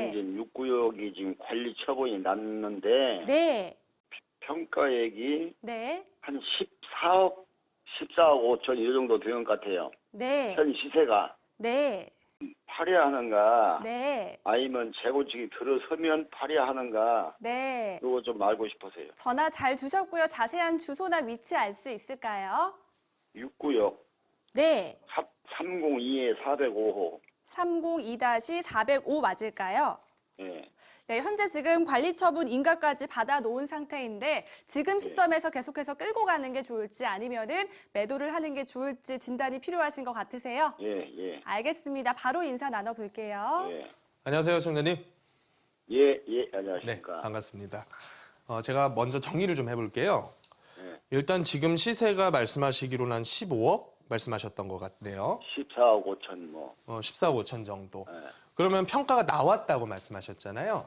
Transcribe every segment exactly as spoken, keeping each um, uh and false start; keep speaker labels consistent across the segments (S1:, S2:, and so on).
S1: 부동산진 육구역이 지금 관리 처분이 났는데
S2: 네.
S1: 평가액이
S2: 네.
S1: 한 십사억, 십사억 오천 이 정도 되는 것 같아요.
S2: 네.
S1: 현 시세가
S2: 네.
S1: 팔이하는가
S2: 네.
S1: 아니면 재건축이 들어서면 팔이하는가
S2: 네.
S1: 이거 좀 알고 싶으세요.
S2: 전화 잘 주셨고요. 자세한 주소나 위치 알 수 있을까요?
S1: 육구역
S2: 네.
S1: 삼공이에 사백오 호.
S2: 삼공이 사공오 맞을까요?
S1: 예.
S2: 네, 현재 지금 관리 처분 인가까지 받아 놓은 상태인데 지금 시점에서 계속해서 끌고 가는 게 좋을지 아니면은 매도를 하는 게 좋을지 진단이 필요하신 것 같으세요?
S1: 예, 예.
S2: 알겠습니다. 바로 인사 나눠 볼게요.
S1: 예.
S3: 안녕하세요, 시청자님.
S1: 예, 예,
S3: 네,
S1: 안녕하십니까.
S3: 반갑습니다. 어, 제가 먼저 정리를 좀 해볼게요.
S1: 예.
S3: 일단 지금 시세가 말씀하시기로는 한 십오억 말씀하셨던 것 같네요.
S1: 십사억 오천 뭐.
S3: 어, 십사억 오천 정도.
S1: 예.
S3: 그러면 평가가 나왔다고 말씀하셨잖아요.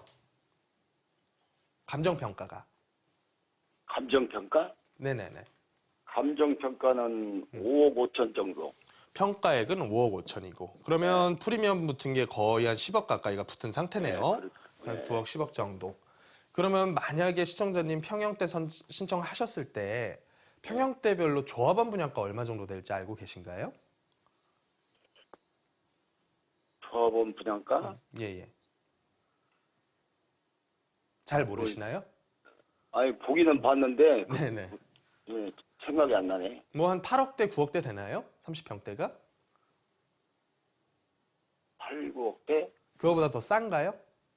S3: 감정평가가.
S1: 감정평가?
S3: 네네네.
S1: 감정평가는 오억 오천 정도.
S3: 평가액은 오억 오천이고. 그러면 프리미엄 붙은 게 거의 한 십억 가까이가 붙은 상태네요.
S1: 네,
S3: 한
S1: 네.
S3: 구억 십억 정도. 그러면 만약에 시청자님 평형대 선, 신청하셨을 때 평형대별로 조합원 분양가 얼마 정도 될지 알고 계신가요?
S1: 조합원 분양가?
S3: 예, 예. 잘 모르시나요?
S1: 아니, 보기는 봤는데, 그,
S3: 네네.
S1: 예, 생각이 안 나네.
S3: 뭐 한 팔억대, 구억대 되나요? 삼십 평대가?
S1: 팔, 구억대?
S3: 그거보다 더 싼가요?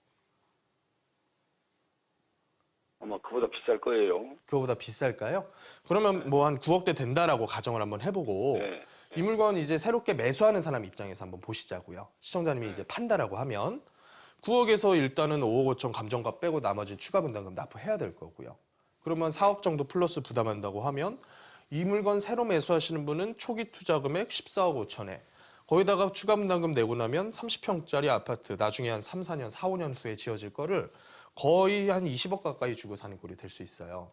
S1: 아마 그보다 비쌀 거예요.
S3: 그거보다 비쌀까요? 그러면 뭐 한 구억대 된다라고 가정을 한번 해보고
S1: 네.
S3: 이 물건 이제 새롭게 매수하는 사람 입장에서 한번 보시자고요. 시청자님이 이제 판다라고 하면 구억에서 일단은 오억 오천 감정가 빼고 나머지 추가 분담금 납부해야 될 거고요. 그러면 사억 정도 플러스 부담한다고 하면 이 물건 새로 매수하시는 분은 초기 투자 금액 십사억 오천에 거기다가 추가 분담금 내고 나면 삼십 평짜리 아파트 나중에 한 삼, 사 년, 사, 오 년 후에 지어질 거를 거의 한 이십억 가까이 주고 사는 꼴이 될 수 있어요.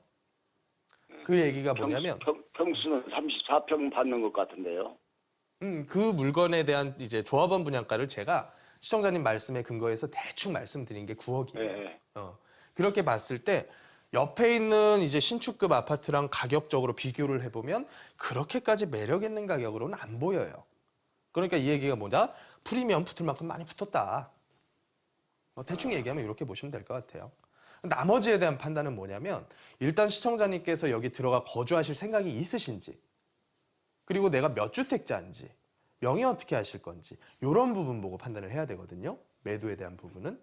S3: 그 얘기가 뭐냐면
S1: 평, 평수는 삼십사 평 받는 것 같은데요.
S3: 음, 그 물건에 대한 이제 조합원 분양가를 제가 시청자님 말씀에 근거해서 대충 말씀드린 게 구억이에요.
S1: 네.
S3: 어, 그렇게 봤을 때 옆에 있는 이제 신축급 아파트랑 가격적으로 비교를 해보면 그렇게까지 매력 있는 가격으로는 안 보여요. 그러니까 이 얘기가 뭐냐? 프리미엄 붙을 만큼 많이 붙었다. 어, 대충 얘기하면 이렇게 보시면 될 것 같아요. 나머지에 대한 판단은 뭐냐면 일단 시청자님께서 여기 들어가 거주하실 생각이 있으신지 그리고 내가 몇 주택자인지 명의 어떻게 하실 건지 이런 부분 보고 판단을 해야 되거든요. 매도에 대한 부분은.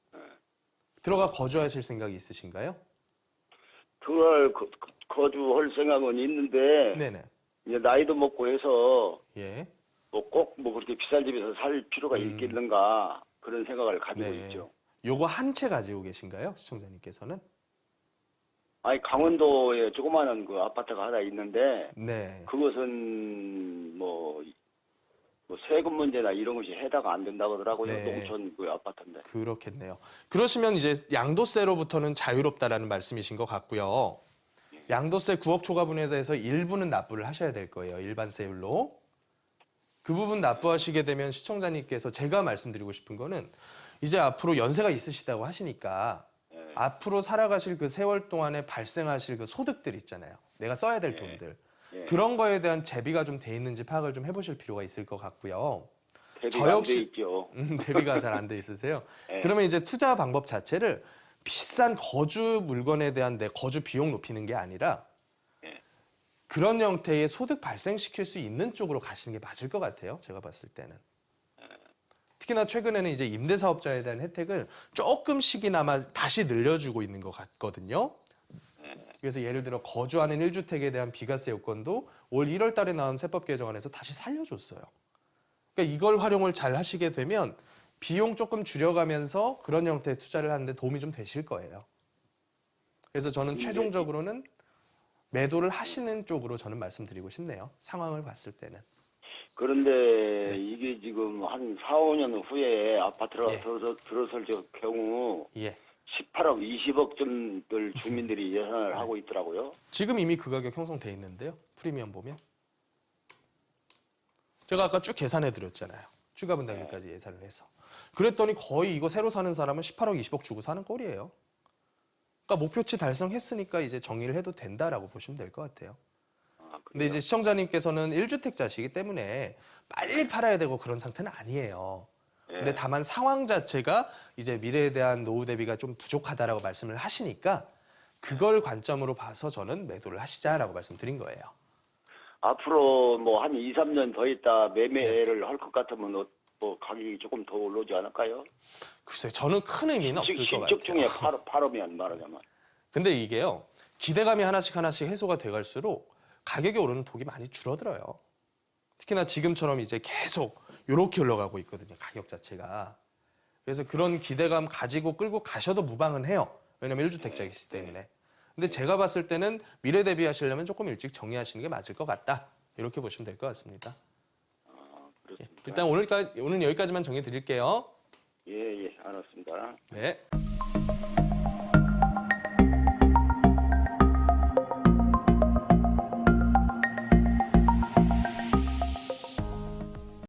S3: 들어가 거주하실 생각이 있으신가요?
S1: 그걸 거, 거주할 생각은 있는데
S3: 네네.
S1: 이제 나이도 먹고 해서
S3: 예.
S1: 뭐 꼭 뭐 그렇게 비싼 집에서 살 필요가
S3: 음.
S1: 있겠는가 그런 생각을 가지고
S3: 네.
S1: 있죠.
S3: 요거 한 채 가지고 계신가요? 시청자님께서는?
S1: 아니 강원도에 조그마한 그 아파트가 하나 있는데
S3: 네.
S1: 그것은 뭐, 뭐 세금 문제나 이런 것이 해당 안 된다고 하더라고요.
S3: 네.
S1: 농촌 그 아파트인데.
S3: 그렇겠네요. 그러시면 이제 양도세로부터는 자유롭다라는 말씀이신 것 같고요. 양도세 구억 초과분에 대해서 일부는 납부를 하셔야 될 거예요. 일반세율로. 그 부분 납부하시게 되면 시청자님께서 제가 말씀드리고 싶은 거는 이제 앞으로 연세가 있으시다고 하시니까
S1: 네.
S3: 앞으로 살아가실 그 세월 동안에 발생하실 그 소득들 있잖아요. 내가 써야 될
S1: 네.
S3: 돈들.
S1: 네.
S3: 그런 거에 대한 대비가 좀 돼 있는지 파악을 좀 해보실 필요가 있을 것 같고요.
S1: 대비가
S3: 저
S1: 안 돼
S3: 역시-
S1: 있죠.
S3: 음, 대비가 잘 안 돼 있으세요.
S1: 네.
S3: 그러면 이제 투자 방법 자체를 비싼 거주 물건에 대한 내 거주 비용 높이는 게 아니라
S1: 네.
S3: 그런 형태의 소득 발생시킬 수 있는 쪽으로 가시는 게 맞을 것 같아요. 제가 봤을 때는. 특히나 최근에는 이제 임대사업자에 대한 혜택을 조금씩이나마 다시 늘려주고 있는 것 같거든요. 그래서 예를 들어 거주하는 일 주택에 대한 비과세 요건도 올 일월 달에 나온 세법 개정안에서 다시 살려줬어요. 그러니까 이걸 활용을 잘 하시게 되면 비용 조금 줄여가면서 그런 형태의 투자를 하는데 도움이 좀 되실 거예요. 그래서 저는
S1: 임대-
S3: 최종적으로는 매도를 하시는 쪽으로 저는 말씀드리고 싶네요. 상황을 봤을 때는.
S1: 그런데
S3: 네.
S1: 이게 지금 한 사, 오 년 후에 아파트가
S3: 예.
S1: 들어서, 들어설 경우
S3: 예.
S1: 십팔억, 이십억쯤들 주민들이 예산을 하고 있더라고요.
S3: 지금 이미 그 가격 형성돼 있는데요. 프리미엄 보면. 제가 아까 쭉 계산해 드렸잖아요. 추가 분담금까지 예산을 해서. 그랬더니 거의 이거 새로 사는 사람은 십팔억, 이십억 주고 사는 꼴이에요. 그러니까 목표치 달성했으니까 이제 정리를 해도 된다라고 보시면 될 것 같아요.
S1: 아,
S3: 근데 이제 시청자님께서는 일 주택자시기 때문에 빨리 팔아야 되고 그런 상태는 아니에요. 근데
S1: 예.
S3: 다만 상황 자체가 이제 미래에 대한 노후 대비가 좀 부족하다라고 말씀을 하시니까 그걸 관점으로 봐서 저는 매도를 하시자라고 말씀드린 거예요.
S1: 앞으로 뭐 한 이, 삼 년 더 있다
S3: 네.
S1: 매매를 할 것 같으면 어, 뭐 가격이 조금 더 올라오지 않을까요?
S3: 글쎄요, 저는 큰 의미는 없을 것 같아요.
S1: 신축 중에 팔, 팔으면 말하자면.
S3: 근데 이게요, 기대감이 하나씩 하나씩 해소가 돼갈수록 가격이 오르는 폭이 많이 줄어들어요. 특히나 지금처럼 이제 계속 이렇게 올라가고 있거든요, 가격 자체가. 그래서 그런 기대감 가지고 끌고 가셔도 무방은 해요. 왜냐면 일 주택자이기 때문에. 근데 제가 봤을 때는 미래 대비하시려면 조금 일찍 정리하시는 게 맞을 것 같다. 이렇게 보시면 될 것 같습니다.
S1: 아, 그렇습니다.
S3: 일단 오늘까지, 오늘 여기까지만 정해 드릴게요.
S1: 예, 예, 알았습니다.
S3: 네.